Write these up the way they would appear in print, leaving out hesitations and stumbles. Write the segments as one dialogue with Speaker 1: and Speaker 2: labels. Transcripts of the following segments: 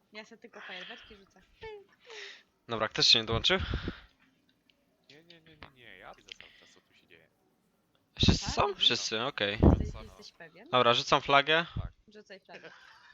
Speaker 1: Ja sobie tylko fajerwerki rzucę.
Speaker 2: Dobra, ktoś się nie dołączył?
Speaker 3: Nie, ja widzę cały czas co tu się dzieje.
Speaker 2: Wszyscy
Speaker 1: Tak,
Speaker 2: są?
Speaker 1: widzisz?
Speaker 2: Wszyscy, okej.
Speaker 1: Jesteś pewien?
Speaker 2: Dobra, rzucam flagę.
Speaker 1: Rzucaj flagę.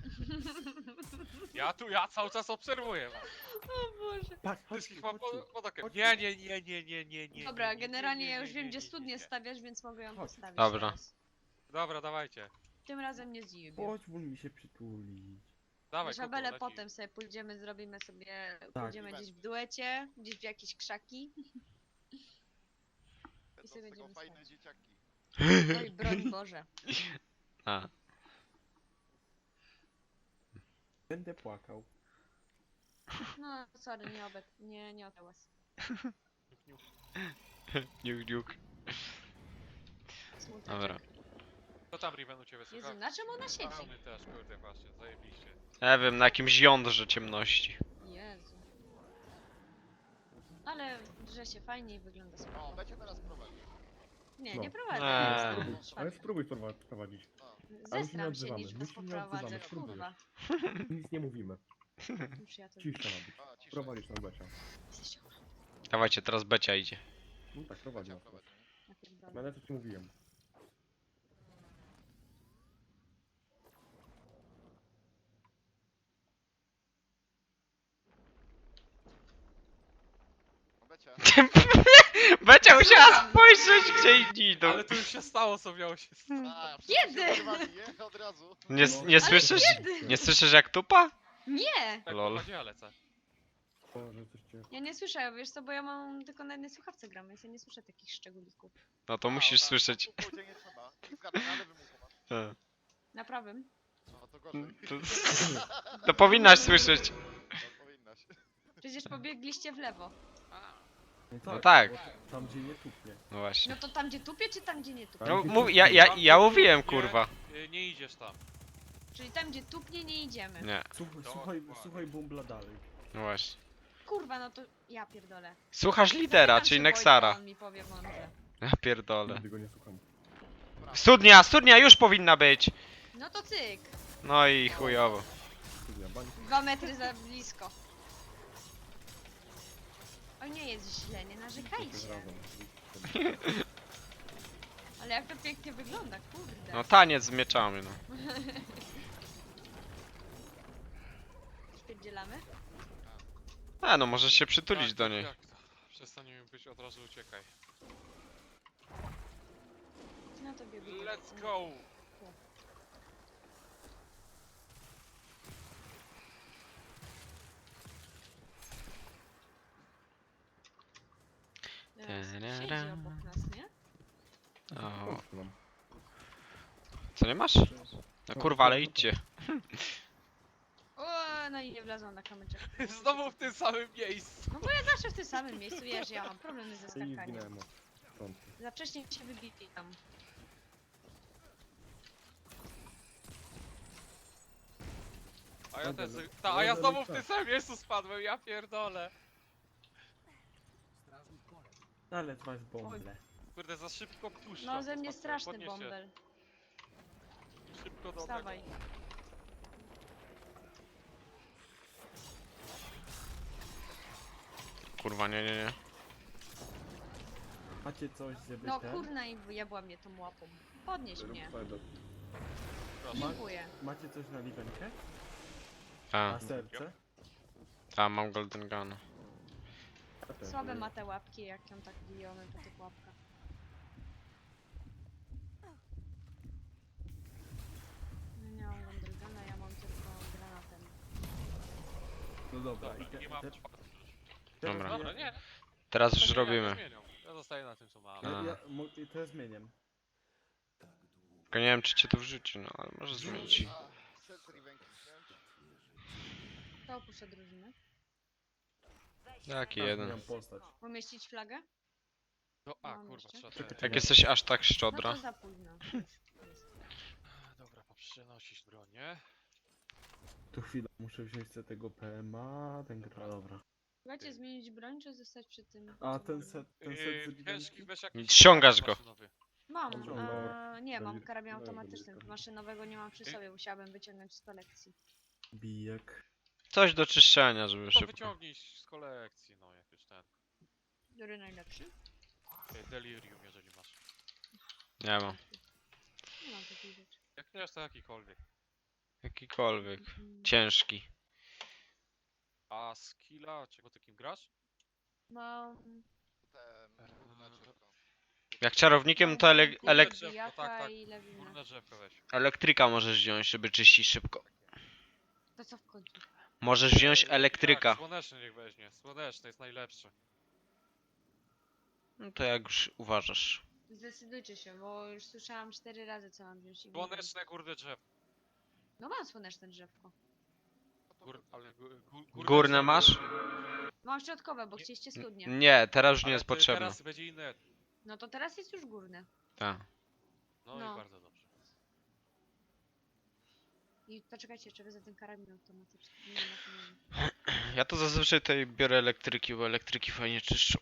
Speaker 3: Ja cały czas obserwuję was.
Speaker 1: O Boże.
Speaker 4: Patrz,
Speaker 3: Wszystkich
Speaker 4: chodźcie,
Speaker 3: mam
Speaker 4: chodźcie.
Speaker 3: pod okiem.
Speaker 4: chodźcie.
Speaker 3: Nie.
Speaker 1: Dobra,
Speaker 3: nie,
Speaker 1: generalnie
Speaker 3: nie,
Speaker 1: ja
Speaker 3: nie,
Speaker 1: już wiem,
Speaker 3: nie,
Speaker 1: gdzie
Speaker 3: nie,
Speaker 1: studnię
Speaker 3: nie.
Speaker 1: stawiasz, więc mogę ją
Speaker 4: Chodź.
Speaker 1: postawić
Speaker 2: Dobra.
Speaker 1: teraz.
Speaker 3: Dobra, dawajcie.
Speaker 1: Tym razem nie zdziwię.
Speaker 4: Chodź, wól mi się przytulić.
Speaker 3: Dawaj,
Speaker 1: Żabele
Speaker 3: leci.
Speaker 1: potem sobie pójdziemy, zrobimy sobie,
Speaker 4: Tak.
Speaker 1: pójdziemy gdzieś w duecie, gdzieś w jakieś krzaki.
Speaker 5: Będą
Speaker 1: sobie
Speaker 5: z tego
Speaker 1: będziemy
Speaker 5: fajne
Speaker 1: stać.
Speaker 5: dzieciaki.
Speaker 1: Oj, broń Boże.
Speaker 2: A,
Speaker 4: Będę płakał.
Speaker 1: No, sorry, nie o hałas.
Speaker 2: niuk.
Speaker 1: Smuteczek.
Speaker 2: Dobra.
Speaker 3: Co tam Riven u ciebie
Speaker 1: Jezu,
Speaker 3: słychać?
Speaker 1: na czym ona
Speaker 3: A
Speaker 1: siedzi?
Speaker 3: my też, kurde, właśnie, zajebiście.
Speaker 2: Ja wiem, na jakimś jądrze ciemności.
Speaker 1: Jezu. Ale drze się fajnie i wygląda
Speaker 5: O,
Speaker 1: spoko.
Speaker 5: będzie teraz prowadzić.
Speaker 1: Nie,
Speaker 4: No.
Speaker 1: nie prowadzę.
Speaker 2: Eee.
Speaker 1: jestem
Speaker 4: Ale
Speaker 1: szwagier.
Speaker 4: spróbuj prowadzić.
Speaker 5: No.
Speaker 4: Ale się nie
Speaker 1: Zestram się,
Speaker 4: odzywamy,
Speaker 1: niż
Speaker 4: my
Speaker 1: was
Speaker 4: się nie
Speaker 1: poprowadzę,
Speaker 4: odzywamy, spróbuj.
Speaker 1: kurwa.
Speaker 4: Nic nie mówimy.
Speaker 1: Już ja to
Speaker 4: Cisza ma być.
Speaker 5: A, cisza.
Speaker 4: Prowadzisz nam Becia.
Speaker 1: jesteście
Speaker 2: Dawajcie, teraz Becia idzie.
Speaker 4: No tak, prowadzi
Speaker 5: Becia
Speaker 4: nas.
Speaker 5: prowadzi.
Speaker 1: napierdolone.
Speaker 4: Będę to ci mówiłem.
Speaker 5: O, Becia.
Speaker 2: Becia musiała spojrzeć, gdzie inni idą.
Speaker 3: Ale to już się stało, co miało się stać.
Speaker 5: A,
Speaker 1: Kiedy?
Speaker 5: wszyscy się odzywali, nie? Od razu.
Speaker 2: Nie słyszysz? Nie słyszysz jak tupa?
Speaker 1: Nie!
Speaker 3: Tak,
Speaker 2: Lol.
Speaker 3: prowadzi, ja lecę.
Speaker 4: Boże, coś cię...
Speaker 1: Ja nie słyszę, wiesz co, bo ja mam tylko na jednej słuchawce gram, więc ja nie słyszę takich szczególików.
Speaker 2: No to
Speaker 5: A,
Speaker 2: musisz
Speaker 5: tak,
Speaker 2: słyszeć.
Speaker 5: tu pójdzie nie trzeba. I zgadnę, ale wymuchu masz.
Speaker 2: E,
Speaker 1: Na prawym?
Speaker 5: No to gorzej.
Speaker 2: To powinnaś słyszeć.
Speaker 5: No, powinnaś.
Speaker 1: Przecież pobiegliście w lewo.
Speaker 2: No tak.
Speaker 4: bo Tam gdzie nie tupnie.
Speaker 2: No właśnie.
Speaker 1: No to tam gdzie tupie, czy tam gdzie nie tupie?
Speaker 2: No
Speaker 4: gdzie
Speaker 2: mów,
Speaker 4: tupnie.
Speaker 2: ja mówiłem, kurwa.
Speaker 3: Nie idziesz tam.
Speaker 1: Czyli tam gdzie tupnie nie idziemy.
Speaker 2: Nie,
Speaker 4: Słuchaj bumbla dalej.
Speaker 2: no właśnie.
Speaker 1: Kurwa, no to ja pierdolę.
Speaker 2: Słuchasz lidera,
Speaker 1: Zapytam
Speaker 2: czyli
Speaker 1: się
Speaker 2: Nexara.
Speaker 1: Wojtka, on mi powie mądrze.
Speaker 2: Ja pierdolę.
Speaker 4: Nigdy go nie słucham.
Speaker 2: Studnia już powinna być.
Speaker 1: No to cyk.
Speaker 2: No i chujowo.
Speaker 4: Studia, bań.
Speaker 1: 2 metry za blisko. O nie jest źle, nie
Speaker 4: To jest
Speaker 1: narzekajcie.
Speaker 4: razem.
Speaker 1: Ale jak to pięknie wygląda, kurde.
Speaker 2: No taniec z mieczami, no.
Speaker 1: Spierdzielamy?
Speaker 2: A no, możesz się przytulić
Speaker 3: Tak,
Speaker 2: do
Speaker 3: tak,
Speaker 2: niej.
Speaker 3: tak. Przestań mi być, od razu uciekaj.
Speaker 1: No to biegł.
Speaker 3: Let's go!
Speaker 1: Siedzi obok nas, nie?
Speaker 2: O,
Speaker 4: Chodź nam.
Speaker 2: co nie masz? No kurwa, ale idźcie.
Speaker 1: O, no i nie wlazłam na kamyczek.
Speaker 3: Znowu w tym samym miejscu.
Speaker 1: No bo ja zawsze w tym samym miejscu, wiesz, ja mam problemy ze
Speaker 4: I
Speaker 1: skakaniem.
Speaker 4: zginęłem. Stąd.
Speaker 1: Za wcześnie się wybijam.
Speaker 3: A ja
Speaker 4: Dobra,
Speaker 3: też.
Speaker 4: no.
Speaker 3: A ja
Speaker 4: Dobra,
Speaker 3: znowu w
Speaker 4: no
Speaker 3: tym
Speaker 4: tak.
Speaker 3: samym miejscu spadłem, ja pierdolę.
Speaker 4: Ale masz bąble.
Speaker 3: Kurde, za szybko puszczam.
Speaker 1: No ze mnie
Speaker 3: to
Speaker 1: straszny
Speaker 3: podnieś się.
Speaker 1: bąbel.
Speaker 3: Szybko do
Speaker 1: Wstawaj.
Speaker 3: tego.
Speaker 2: Kurwa, nie.
Speaker 4: Macie coś, żeby
Speaker 1: No
Speaker 4: ten?
Speaker 1: kurna i jebła mnie tą łapą. Podnieś mnie.
Speaker 4: Proszę.
Speaker 1: Dziękuję.
Speaker 4: Macie coś na liwenkę?
Speaker 2: A,
Speaker 4: Na serce?
Speaker 2: mam golden gun.
Speaker 4: Ja też.
Speaker 1: Słabe ma te łapki, jak ją tak bijemy po tych łapkach. No nie mam Gondrygana, ja mam tylko granatem.
Speaker 4: No dobra.
Speaker 3: Dobra, nie mam.
Speaker 2: Dobra.
Speaker 3: Dobra, nie.
Speaker 2: Teraz już
Speaker 3: To nie,
Speaker 2: robimy.
Speaker 3: zmienią. Ja zostaję na tym, co mam.
Speaker 2: A.
Speaker 4: To ja zmieniam.
Speaker 2: Tylko nie wiem, czy cię tu wrzuci, no ale może zmienić.
Speaker 5: A, set Rivenki wziąć.
Speaker 1: To opuszczę drużynę.
Speaker 2: Jaki
Speaker 4: Ja
Speaker 2: jeden.
Speaker 4: zmieniam postać.
Speaker 1: Pomieścić flagę?
Speaker 3: No, a
Speaker 1: Mam
Speaker 3: kurwa,
Speaker 1: jeszcze?
Speaker 3: trzeba
Speaker 4: Czekaj,
Speaker 2: Jak jesteś aż tak
Speaker 1: No
Speaker 2: szczodra.
Speaker 1: to za późno.
Speaker 3: Dobra, poprzenosić bronię.
Speaker 4: Tu chwilę, muszę wziąć sobie tego PMA, ten gra, dobra.
Speaker 1: Słuchajcie, zmienić broń, czy zostać przy tym?
Speaker 4: A
Speaker 1: co
Speaker 4: ten
Speaker 1: mamy?
Speaker 4: set z
Speaker 3: Ciężki,
Speaker 4: liwenki?
Speaker 3: weź jakiś...
Speaker 2: Ściągasz go.
Speaker 3: maszynowy.
Speaker 1: Mam,
Speaker 4: Dobra.
Speaker 1: nie, mam
Speaker 4: Dobra,
Speaker 1: karabin
Speaker 4: dobra,
Speaker 1: automatyczny,
Speaker 4: dobra.
Speaker 1: maszynowego nie mam przy sobie, musiałabym wyciągnąć z kolekcji.
Speaker 4: Bijek.
Speaker 2: Coś do czyszczenia, żeby
Speaker 3: To
Speaker 2: szybko.
Speaker 3: wyciągnij z kolekcji, no jak już ten.
Speaker 1: Który najlepszy?
Speaker 3: Delirium, jeżeli masz.
Speaker 2: Nie mam.
Speaker 1: Nie mam takiej rzeczy.
Speaker 3: Jak nie masz, to jakikolwiek.
Speaker 2: Jakikolwiek.
Speaker 1: Mm.
Speaker 2: Ciężki.
Speaker 3: A skilla, czego takim grasz?
Speaker 1: Mam...
Speaker 5: Te górne drzewko.
Speaker 2: Jak czarownikiem to
Speaker 3: Górne drzewko,
Speaker 1: Bijaka
Speaker 3: tak, tak.
Speaker 1: i lewinę.
Speaker 3: Górne drzewko weź.
Speaker 2: elektryka możesz wziąć, żeby czyścić szybko.
Speaker 1: To co w końcu?
Speaker 2: Możesz wziąć
Speaker 3: Jak?
Speaker 2: elektryka.
Speaker 3: Słoneczny niech weźmie. Słoneczny jest najlepszy.
Speaker 2: No to jak już uważasz.
Speaker 1: Zdecydujcie się, bo już słyszałam 4 razy co mam wziąć i nie wiem.
Speaker 3: Słoneczne górne drzewko.
Speaker 1: No mam słoneczne drzewko.
Speaker 3: Ale
Speaker 2: Górne masz?
Speaker 1: Mam środkowe, bo chcieliście studnie.
Speaker 2: Nie, teraz już nie
Speaker 3: Ale
Speaker 2: jest
Speaker 3: ty
Speaker 2: potrzebne.
Speaker 3: Teraz będzie inne.
Speaker 1: No to teraz jest już górne.
Speaker 2: Tak.
Speaker 3: No,
Speaker 1: No.
Speaker 3: i bardzo dobrze.
Speaker 1: I poczekajcie, jeszcze wezmę ten karabin automatyczny. Nie, na to nie wiem.
Speaker 2: Ja to zazwyczaj tutaj biorę elektryki, bo elektryki fajnie czyszczą.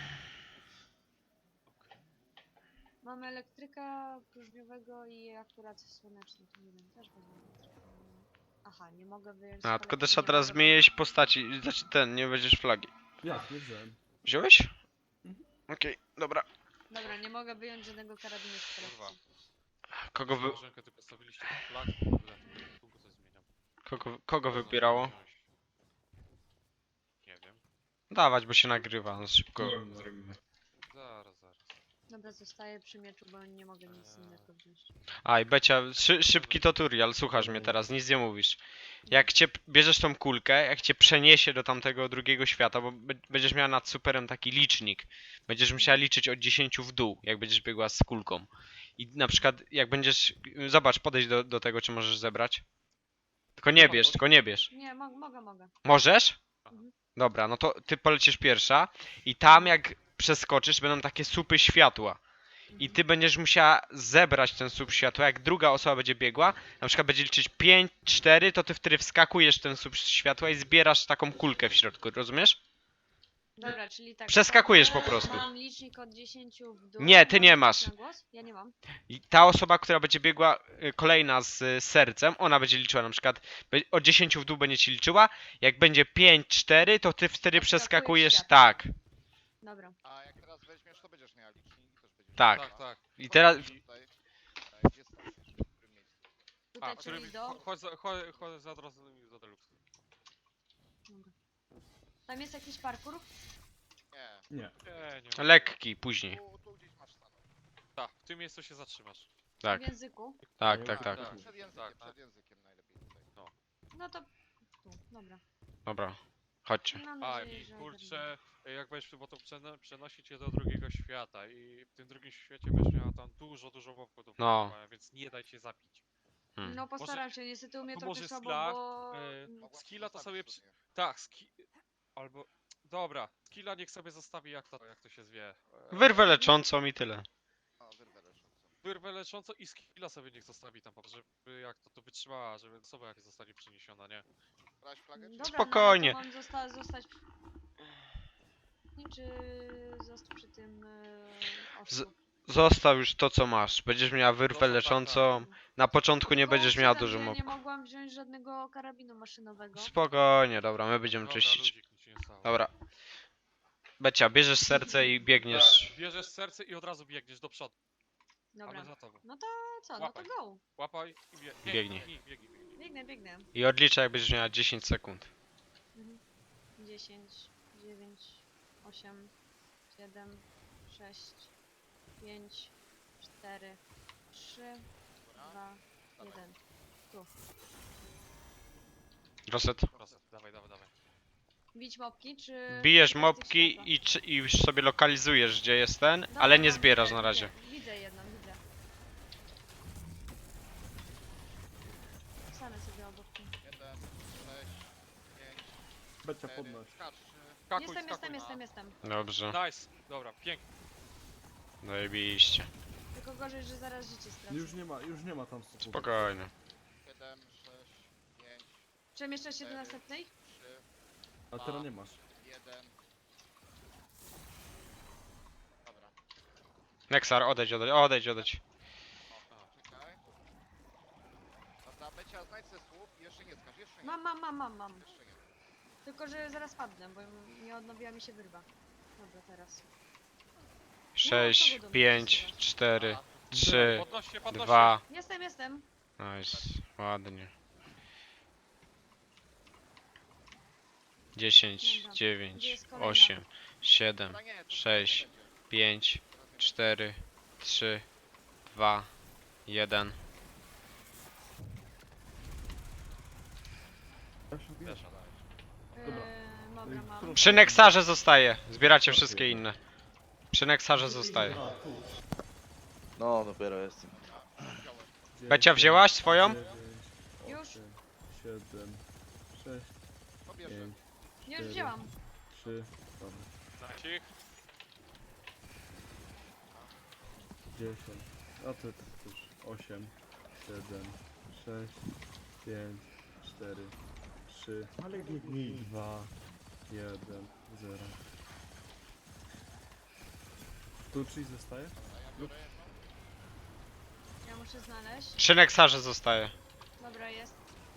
Speaker 1: Mamy elektryka próżniowego i akurat słoneczny, to nie wiem, też będzie elektryka. Aha, nie mogę wyjąć z
Speaker 2: A, tylko
Speaker 1: kolekcji,
Speaker 2: trzeba
Speaker 1: nie
Speaker 2: teraz
Speaker 1: mogę
Speaker 2: zmienić postaci. Znaczy ten, nie będziesz flagi.
Speaker 4: Jak, nie wziąłem.
Speaker 2: Wziąłeś?
Speaker 4: Mhm.
Speaker 2: Okej, dobra.
Speaker 1: Dobra, nie mogę wyjąć żadnego karabinu z
Speaker 3: Kurwa.
Speaker 1: kolekcji.
Speaker 2: Kogo wy...
Speaker 3: Łażenkę ty postawiliście flag, kurde. Długo coś zmieniam.
Speaker 2: Kogo
Speaker 3: Można
Speaker 2: wybierało?
Speaker 3: wziąć. Nie wiem.
Speaker 2: Dawać, bo się nagrywa, no szybko
Speaker 4: No.
Speaker 2: zrobimy.
Speaker 3: Zaraz, zaraz.
Speaker 1: Dobra, zostaję przy mieczu, bo nie mogę nic innego wziąć.
Speaker 2: A i Becia, szybki tutorial, słuchasz mnie teraz, nic nie mówisz. Jak cię bierzesz tą kulkę, jak cię przeniesie do tamtego drugiego świata, bo będziesz miała nad superem taki licznik. Będziesz musiała liczyć od 10 w dół, jak będziesz biegła z kulką. I na przykład jak będziesz, zobacz, podejdź do tego, czy możesz zebrać. Tylko nie bierz, tylko nie bierz.
Speaker 1: Nie, mogę.
Speaker 2: Możesz?
Speaker 1: Mhm.
Speaker 2: Dobra, no to ty polecisz pierwsza i tam jak przeskoczysz będą takie słupy światła. I ty będziesz musiała zebrać ten słup światła, jak druga osoba będzie biegła, na przykład będzie liczyć 5, 4, to ty wtedy wskakujesz w ten słup światła i zbierasz taką kulkę w środku, rozumiesz?
Speaker 1: Dobra, czyli tak.
Speaker 2: Przeskakujesz
Speaker 1: wchodzę,
Speaker 2: po prostu.
Speaker 1: Mam licznik od 10 w dół.
Speaker 2: Nie, ty
Speaker 1: mam
Speaker 2: nie
Speaker 1: liczyć
Speaker 2: masz.
Speaker 1: na głos? Ja nie mam.
Speaker 2: I ta osoba, która będzie biegła kolejna z sercem, ona będzie liczyła na przykład od 10 w dół będzie ci liczyła, jak będzie 5, 4, to ty wtedy
Speaker 1: Odskakujesz
Speaker 2: przeskakujesz,
Speaker 1: światło.
Speaker 2: tak,
Speaker 1: Dobra.
Speaker 5: A jak teraz weźmiesz, to będziesz miała licznik i też będziesz
Speaker 2: Tak.
Speaker 5: miała.
Speaker 3: Tak, tak.
Speaker 2: i teraz,
Speaker 5: Tutaj, gdzie staniesz? W którym miejscu?
Speaker 3: A,
Speaker 1: Tutaj, czyli do...
Speaker 3: chodź za od razu do deluxe.
Speaker 1: Dobra. Tam jest jakiś parkour?
Speaker 5: Nie.
Speaker 4: Nie.
Speaker 3: Nie ma.
Speaker 2: lekki później,
Speaker 5: Tu gdzieś masz stanąć.
Speaker 3: Tak, w tym miejscu się zatrzymasz.
Speaker 2: tak,
Speaker 1: W języku?
Speaker 2: tak, tak, tak,
Speaker 3: Tak.
Speaker 5: Przed językiem,
Speaker 3: Tak, tak.
Speaker 5: przed językiem najlepiej tutaj.
Speaker 1: No to... Tu, dobra.
Speaker 2: dobra, chodźcie.
Speaker 1: Mam
Speaker 3: A
Speaker 1: nadzieję,
Speaker 3: i
Speaker 1: że
Speaker 3: kurczę, jak będziesz bo to przenosić cię do drugiego świata i w tym drugim świecie będziesz miała tam dużo łowków do
Speaker 2: No.
Speaker 3: polowania, więc nie daj się zabić.
Speaker 2: Hmm.
Speaker 1: No postaram się, niestety u mnie
Speaker 3: to
Speaker 1: trochę
Speaker 3: może
Speaker 1: słabo,
Speaker 3: skilla,
Speaker 1: bo...
Speaker 5: Mogłabyś
Speaker 3: skilla to
Speaker 5: zostawić
Speaker 3: sobie
Speaker 5: studnię.
Speaker 3: Tak, albo... Dobra, skilla niech sobie zostawi jak to się zwie.
Speaker 2: Wyrwę leczącą i tyle.
Speaker 5: A, wyrwę leczącą.
Speaker 3: Wyrwę lecząco i skilla sobie niech zostawi tam, żeby jak to wytrzymała, żeby osoba jak zostanie przeniesiona, nie?
Speaker 5: Brałaś flagę, czy
Speaker 1: Dobra,
Speaker 2: Spokojnie.
Speaker 1: No, ale to mam zostać... Nie, czy zostać przy tym ostrzu?
Speaker 2: Zostaw już to, co masz. Będziesz miała wyrwę
Speaker 3: Zostaw, tak,
Speaker 2: leczącą. Na początku nie
Speaker 1: Tylko
Speaker 2: będziesz miała
Speaker 1: przyznam,
Speaker 2: dużo
Speaker 1: że ja nie
Speaker 2: mobków.
Speaker 1: mogłam wziąć żadnego karabinu maszynowego.
Speaker 2: Spokojnie, dobra, my będziemy
Speaker 3: Dobra,
Speaker 2: czyścić.
Speaker 3: ludzik, nic się nie stało.
Speaker 2: Dobra. Becia, bierzesz serce i biegniesz.
Speaker 3: Tak, bierzesz serce i od razu biegniesz do przodu. A
Speaker 1: Dobra.
Speaker 3: my za tobą.
Speaker 1: No to co, no to
Speaker 3: Łapaj.
Speaker 1: go.
Speaker 3: Łapaj i
Speaker 2: Biegnij.
Speaker 1: Biegnę.
Speaker 2: I odliczaj, jak będziesz miała 10 sekund.
Speaker 1: 10, 9, 8, 7, 6, 5, 4, 3, 2, 1.
Speaker 2: Roset.
Speaker 3: Proszę, dawaj.
Speaker 1: Bić mopki, czy...
Speaker 2: Bijesz
Speaker 1: szukać tych
Speaker 2: mopki
Speaker 1: światła?
Speaker 2: i już sobie lokalizujesz, gdzie jest ten,
Speaker 1: Dobra,
Speaker 2: ale nie
Speaker 1: no,
Speaker 2: zbierasz
Speaker 1: widzę,
Speaker 2: na razie.
Speaker 1: Widzę jedną, widzę. Stanę sobie obok.
Speaker 5: 1, 6, 5,
Speaker 4: Becia
Speaker 5: 4,
Speaker 4: podnoś.
Speaker 5: skacz.
Speaker 3: Skakuj,
Speaker 1: Jestem.
Speaker 2: Dobrze,
Speaker 3: Nice, dobra, pięknie.
Speaker 2: zajebiście.
Speaker 1: Tylko gorzej, że zaraz życie stracę.
Speaker 4: Już nie ma tam stopu.
Speaker 2: Spokojnie.
Speaker 5: 7, 6, 5,
Speaker 1: Przemieszczasz się do następnej?
Speaker 5: 3,
Speaker 4: A teraz nie masz.
Speaker 5: 1. Dobra.
Speaker 2: Nexar, odejdź.
Speaker 5: O, czekaj. Dobra, Becia, znajdź se słup i jeszcze nie skacz, jeszcze nie.
Speaker 1: Mam.
Speaker 5: Jeszcze nie.
Speaker 1: Tylko, że zaraz padnę, bo nie odnowiła mi się wyrwa. Dobra, teraz.
Speaker 2: 6, 5, 4, 3,
Speaker 3: Podnoście, podnoście.
Speaker 2: 2.
Speaker 1: Jestem.
Speaker 2: Nice, ładnie. 10,
Speaker 1: Dobra.
Speaker 2: 9,
Speaker 1: Gdzie jest kolejna?
Speaker 2: 8, 7,
Speaker 5: Dobra, nie, to
Speaker 2: 6,
Speaker 5: będzie.
Speaker 2: 5, 4, 3, 2, 1.
Speaker 4: Ja się
Speaker 3: Wiesz,
Speaker 4: wiesz. Dobra.
Speaker 1: Dobra, mam.
Speaker 4: Którą-
Speaker 2: Przy Nexarze zostaje. Zbieracie wszystkie inne. Przy Nexarze zostaje.
Speaker 4: A, tu.
Speaker 6: No, dopiero jestem.
Speaker 2: Becia, wzięłaś swoją?
Speaker 4: 9,
Speaker 1: Już.
Speaker 4: 8, 7, 6,
Speaker 5: To bierze.
Speaker 4: 5,
Speaker 1: Nie, już wzięłam.
Speaker 4: 3, dobra,
Speaker 3: Znać ich.
Speaker 4: 10, a ty już 8, 7, 6, 5, 4, 3, 2, 1, 0. Tu czyli zostaje?
Speaker 1: Ja muszę znaleźć.
Speaker 2: Przy Nexarze zostaje.
Speaker 1: Dobra, jest.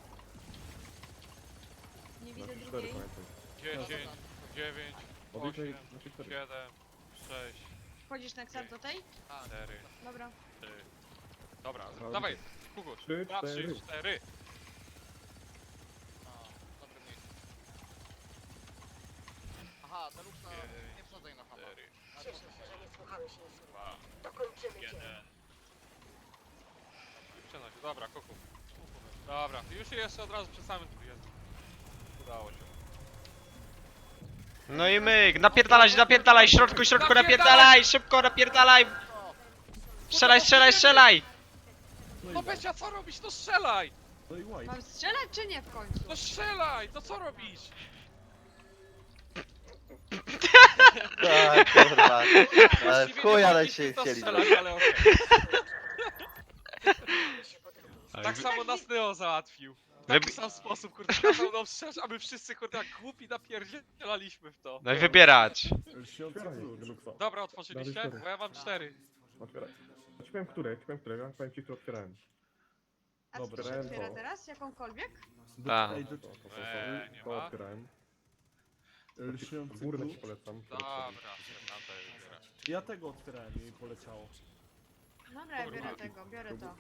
Speaker 1: Nie widzę
Speaker 4: 4
Speaker 1: drugiej.
Speaker 4: pamiętaj.
Speaker 3: 10, 9, 8, 7, 6,
Speaker 1: Wchodzisz na ksar do tej?
Speaker 3: 4,
Speaker 1: Dobra.
Speaker 3: 3. Dobra,
Speaker 4: Ale-
Speaker 3: dawaj, Kukuś.
Speaker 4: 3,
Speaker 3: 2, 3,
Speaker 4: 4.
Speaker 3: 4.
Speaker 5: A, dobre miejsce. Aha, Deluxe na... nie wsadzaj na hama.
Speaker 3: 4,
Speaker 5: Na
Speaker 7: Cieszę
Speaker 5: drugą.
Speaker 7: się, że nie słuchamy się innych.
Speaker 3: 2,
Speaker 7: Dokończymy
Speaker 3: 1.
Speaker 7: cię.
Speaker 3: Przenoś, dobra, Kuku. Dobra, już jeszcze od razu przy samym tu jest. Udało się.
Speaker 2: No i myk, napierdalaj, środku, napierdalaj, szybko, napierdalaj! Strzelaj!
Speaker 3: No Becia, co robisz? No strzelaj!
Speaker 4: No i white.
Speaker 1: Mam strzelać czy nie w końcu?
Speaker 3: No strzelaj! No co robisz?
Speaker 6: Tak, kurwa. Ale w
Speaker 3: Właściwie
Speaker 6: chuj,
Speaker 3: nie
Speaker 6: ale
Speaker 3: mogliśmy
Speaker 6: się
Speaker 3: to
Speaker 6: chcieli.
Speaker 3: strzelać, ale okej.
Speaker 7: się po drugiej
Speaker 3: Tak samo nas Neo załatwił. W
Speaker 2: Wybi-
Speaker 3: taki sam sposób, kurde, kazał nam strzelać, a my wszyscy, kurde, jak głupi napierdzielaliśmy w to.
Speaker 2: No i wybierać.
Speaker 4: Lśniący klucz.
Speaker 3: Dobra, otworzyliście? Bo ja mam 4.
Speaker 8: Otwieraj. Ja ci powiem, które, ja powiem ci, które otwierałem.
Speaker 1: A co tu się
Speaker 8: Dobra.
Speaker 1: otwiera teraz? Jakąkolwiek?
Speaker 2: Tak.
Speaker 4: Ej,
Speaker 3: Nie
Speaker 8: To
Speaker 3: ma.
Speaker 8: otwierałem.
Speaker 4: lśniący
Speaker 8: Górne ci
Speaker 4: klucz.
Speaker 8: polecam.
Speaker 3: Dobra, tam to jest.
Speaker 4: Ja tego otwierałem i poleciało.
Speaker 1: Dobra, ja
Speaker 3: Kurwa.
Speaker 1: biorę tego, biorę to.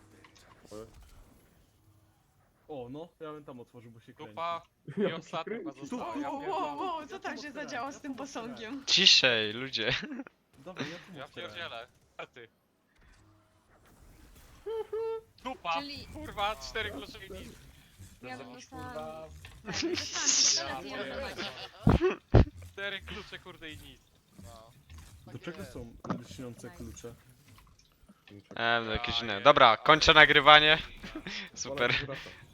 Speaker 4: O, no, ja bym tam otworzył, bo się kręci.
Speaker 3: Dupa i ostatnia chyba została. Ja
Speaker 1: Wow, co tam się zadziało z tym posągiem?
Speaker 2: Ciszej, ludzie.
Speaker 4: Dobra, ja tu
Speaker 3: Ja
Speaker 4: otwierałem.
Speaker 3: pierdzielę. A ty. Dupa!
Speaker 1: Czyli
Speaker 3: Kurwa, 4 klucze i nic.
Speaker 1: ja bym dostała... Dostałam pistolet i
Speaker 3: Ja
Speaker 1: automat.
Speaker 3: 4 klucze, kurde i nic.
Speaker 5: No.
Speaker 4: Do
Speaker 5: Tak
Speaker 4: czego
Speaker 5: jest.
Speaker 4: są lśniące klucze?
Speaker 2: No jakieś inne. Dobra, kończę nagrywanie. Super.
Speaker 8: Wolę, że wraca.